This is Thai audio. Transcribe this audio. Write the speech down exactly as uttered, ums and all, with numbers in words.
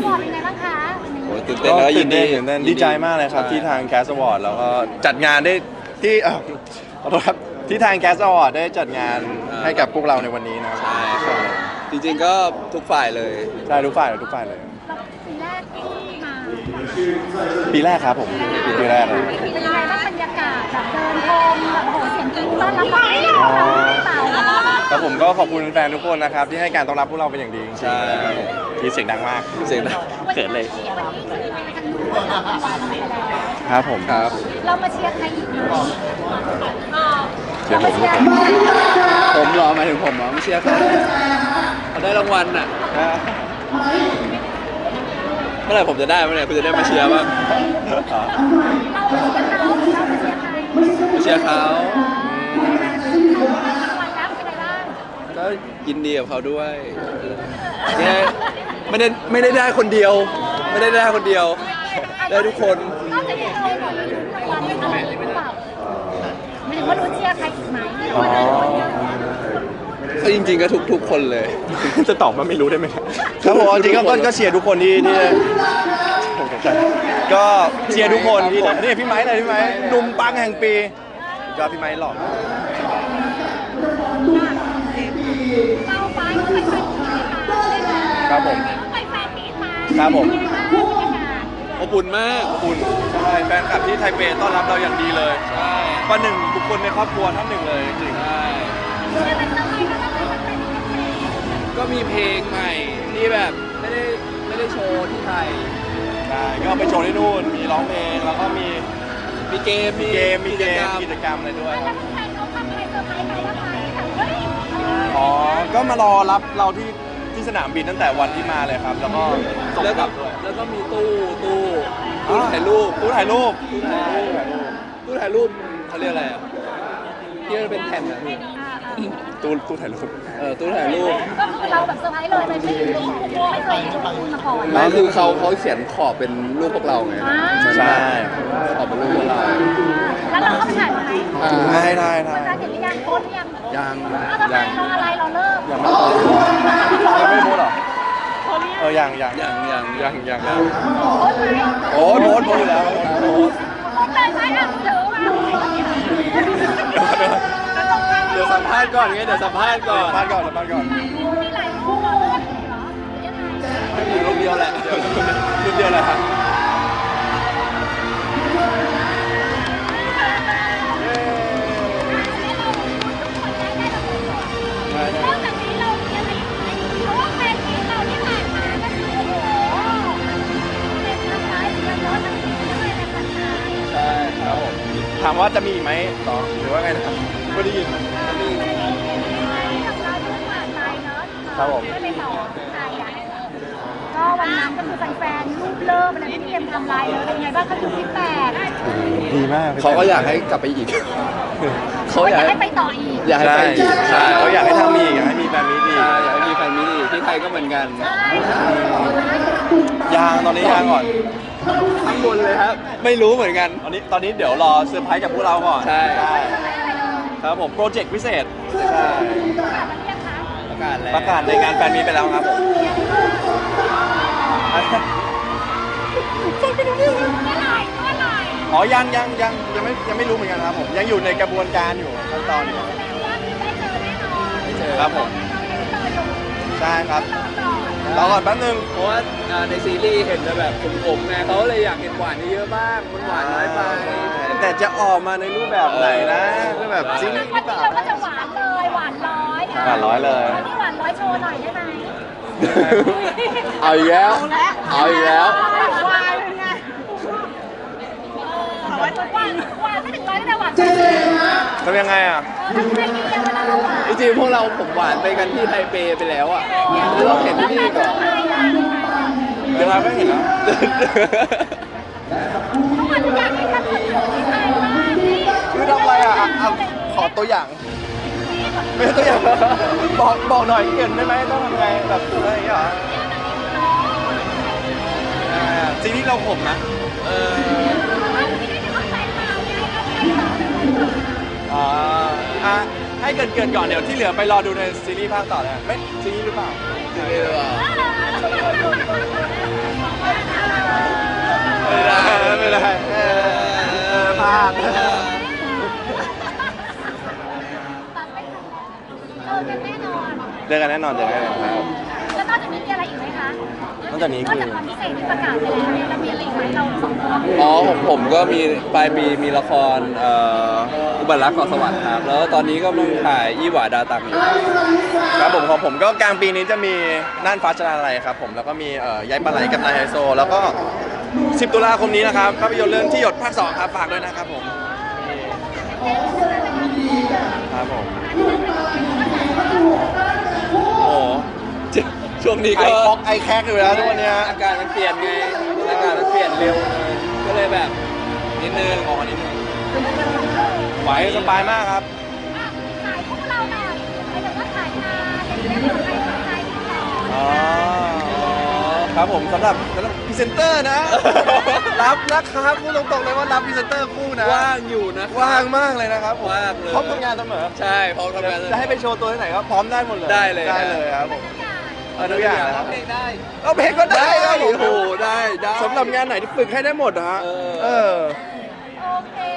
วอร์ดเป็นไงบ้างคะโอ้ตื่นเต้นแล้วยินดีตื่นเต้นดีใจมากเลยครับที่ทางแคสต์วอร์ดแล้วก็จัดงานได้ที่เออขอโทษครับที่ทางแคสต์วอร์ดได้จัดงานให้กับพวกเราในวันนี้นะครับใช่ครับจริงๆก็ทุกฝ่ายเลยใช่ทุกฝ่ายเลยทุกฝ่ายเลยปีแรกที่มาปีแรกครับผมปีแรกเลยเป็นยังไงบ้างบรรยากาศแบบเดินพรมแบบโหเสียงกรี๊ดต้อนรับเราเต่าแล้วผมก็ขอบคุณแฟนทุกคนนะครับที่ให้การต้อนรับพวกเราเป็นอย่างดีจริงๆใช่มีเสียงดังมากเสียงดังเขินเลยวันนี้คือไปทางนู้นแล้วครับผมครับเรามาเชียร์ใครอีกไหมเชียร์ผมทุกคนผมเหรอหมายถึงผมเหรอไม่เชียร์เขาเขาได้รางวัลอ่ะเมื่อไหร่ผมจะได้เมื่อไหร่คุณจะได้มาเชียร์บ้างเรามาเชียร์เขาเรามาเชียร์ใครมาเชียร์เขาวันรับเป็นไงบ้างก็ยินดีกับเขาด้วยแค่ไม่ได้ไม่ได้ได้คนเดียว ไม่ได้ได้คนเดียว ได้ทุกคนนอกจากนี้เราหมดลุ้นรางวัลอะไรหรือเปล่าไม่ถึงว่าลุ้นเชียร์ใครอีกไหมอ๋อก็จริงๆก็ทุกทุกคนเลยจะตอบว่าไม่รู้ได้ไหมครับผมจริงๆก็ก็เชียร์ทุกคนที่ที่ก็เชียร์ทุกคนที่นี่พี่ไม้เลยพี่ไม้หนุ่มปังแห่งปีก็พี่ไม้หล่อเราไปก็ไปแฟนมีตมาครับผมไปแฟนมีตมาครับผมอบอุ่นมากคุณใช่แฟนคลับที่ไทเปต้อนรับเราอย่างดีเลยใช่ประหนึ่งบุคคลในครอบครัวท่านหนึ่งเลยจริงใช่จะเป็นอะไรก็ต้องเป็นแฟนมีตก็มีเพลงใหม่ที่แบบไม่ได้ไม่ได้โชว์ที่ไทยใช่ก็ไปโชว์ที่นู่นมีร้องเพลงแล้วก็มีมีเกมมีเกมมีเกจมรรกิจกรรมอะไรด้วยคแล้รัวบแฟนเขาทำอะไรเซอร์ไพรส์ไหมว่าไปแบบเฮ้ยอ๋อก็มารอรับเราที่ที่สนามบินตั้งแต่วันที่มาเลยครับ แล้วก็ส่งแล้วกก็ลับด้วยแล้วก็มีตู้ตู้ตู้ถ่ายรูปตู้ถ่ายรูปตู้ถ่ายรูปตู้ถ่ายรูปเขาเรียกอะไรอ่ะที่มันเป็นแผ่นอ่ะพี่ตู้ตู้ถ่ายรูปเออตู้ถ่ายรูปก็คือเราแบบเซอร์ไพรส์เลยไม่ไม่รู้ไม่เคยรู้มาก่อนไม่คือเขาเขาเขียนขอบเป็นรูปพวกเราไงใช่ขอบเป็นรูปพวกเราแล้วเราก็ไปถ่ายไหมอ่าได้ได้ได้อาจารย์เห็นหรือยังโพสหรือยังยังเอาทำไมเราอะไรเราเลิกยังไม่โพสยังไม่โพสหรอเออยังยังยังยังยังยังยังโพสไหมโอ้โพสโพสอยู่แล้วโพสโพสเลยไหมอ่ะถือมาเดี๋ยวสัมภาษณ์ก่อนไงเดี๋ยวสัมภาษณ์ก่อนสัมภาษณ์ก่อนสัมภาษณ์ก่อนมีหลายรูปเหรอยังไงไม่มีรูปเดียวแหละรูปเดียวเลยครับนอกจากนี้เรามีอะไรอีกไหมเพราะว่าแฟนมีเราที่ผ่านมาก็คือโอ้โหเป็นทำร้ายเป็นร้อนทั้งปีด้วยเป็นพันนายใช่ครับผมถามว่าจะมีอีกไหมต่อหรือว่าไงนะครับไม่ได้ยินมีกับเราที่ผ่านไปเนาะครับผมไม่ไปต่อไทยอ่ะก็วันนั้นก็คือแฟนๆรูปเลิฟอะไรที่เตรียมทำลายเลยเป็นไงบ้างเขาดูฟีดแบ็กดีมากเขาก็อยากให้กลับไปอีก เขาอยากให้ไปต่ออีกอยากให้ใช่ไปอีกใช่เขาอยากให้ทำมีอีกอยากให้มีแฟนมีดีใช่อยากให้มีแฟนมิตรอีกที่ไทยก็เหมือนกันยางตอนนี้ยางก่อนข้างบนเลยครับ ไม่รู้เหมือนกันตอนนี้ตอนนี้เดี๋ยวรอเซอร์ไพรส์จากพวกเราก่อนใช่ครับผมโปรเจกต์พิเศษใช่ประกาศแล้วประกาศในงานแฟนมีตไปแล้วครับผมเมื่อไหร่เมื่อไหร่อ๋อยังยังยังยังไม่ยังไม่รู้เหมือนกันครับผมยังอยู่ในกระบวนการอยู่ขั้นตอนอยู่แสดงว่าได้เจอแน่นอนไม่เจอครับผมเจออยู่ใช่ครับรอก่อนรอก่อนแป๊บนึงเพราะว่าอ่าในซีรีส์เห็นแต่แบบผมๆไงเขาเลยอยากเห็นหวานเยอะๆบ้างมันหวานน้อยไปแต่จะออกมาในรูปแบบไหนนะรูปแบบซีรีวันส์หรือนี้เปล่าเราก็จะหวานเลยหวานร้อยะหวานร้อยเลยวันนี้หวานร้อยโชว์หน่อยได้ไหมเอาอีกแล้ว เอาอีกแล้วหวานเป็นไงหวานหวานหวานไม่ถึงร้อยแต่หวานเออทำยังไงอ่ะทำไงดีอะเวลาเราหวานจริงๆพวกเราผมหวานไปกันที่ไทเปไปแล้วอ่ะเราเห็นที่นี่ก่อนเดี๋ยวเราไม่เห็นแล้วทุกคนอยากให้ทำเหมือนที่ไทยมากนี่คือทำอะไรอ่ะอ่ะอ่ะขอตัวอย่างไม่ใช่ตัวอย่างบอกบอกหน่อยเกินได้ไหมต้องทำไงแบบอะไรอย่างเงี้ยเหรออ่าซีรีส์เราผมนะเอออ่าอ่ะให้เกินเกินๆก่อนเดี๋ยวที่เหลือไปรอดูในซีรีส์ภาคต่อเลยไม่ซีรีส์หรือเปล่าจริงๆหรือเปล่าตัดไม่ทันเออกันแน่นอนเจอกันแน่นอนเจอกันแน่นอนครับแล้วนอกจากนี้มีอะไรอีกไหมคะนอกจากนี้คือนอกจากความพิเศษที่ประกาศไปแล้วเนี่ยเรามีอะไรอีกไหมเราสองคนอ๋อผมผมก็มีปลายปีมีละครเอ่ออุบัติรักเกาะสวรรค์ครับ แล้วตอนนี้ก็กำลังถ่ายยี่หว่าดาตังอยู่ครับผมของผมก็กลางปีนี้จะมีน่านฟ้าชนาลัยครับผมแล้วก็มีเอ่อยายปลาไหลกับนายไฮโซ แล้วก็สิบตุลาคมนี้นะครับภาพยนตร์เรื่องที่หยดภาคสองครับฝากด้วยนะครับผมครับผมโอ้ช่วงนี้ไอก็คอกไอแคกอยู่แล้วทุกวันเนี้ยอากาศมันเปลี่ยนไงอากาศมันเปลี่ยนเร็วเลยก็เลยแบบนิดนึงออกมานิดนึงไหวสบายมากครับอ่ะขายพวกเราหน่อยหมายถึงว่าขายงานอะไรอย่างเงี้ยเผื่อใครสนใจติดต่ออ๋อครับผมสำหรับสำหรับพรีเซนเตอร์นะ รับนะครับพูดตรงๆเลยว่ารับพรีเซนเตอร์คู่นะว่างอยู่นะว่างมากเลยนะครับผมว่างเลยพร้อมทำงานเสมอใช่พร้อมทำงานจะให้ไปโชว์ตัวที่ไหนก็พร้อมได้หมดเลยได้เลยได้เลยครับผมทุกอย่างเอาทุกอย่างนะครับเพลงได้เอาเพลงก็ได้ครับผมโอ้โหได้ได้สำหรับงานไหนที่ฝึกให้ได้หมดนะฮะเออเออโอเค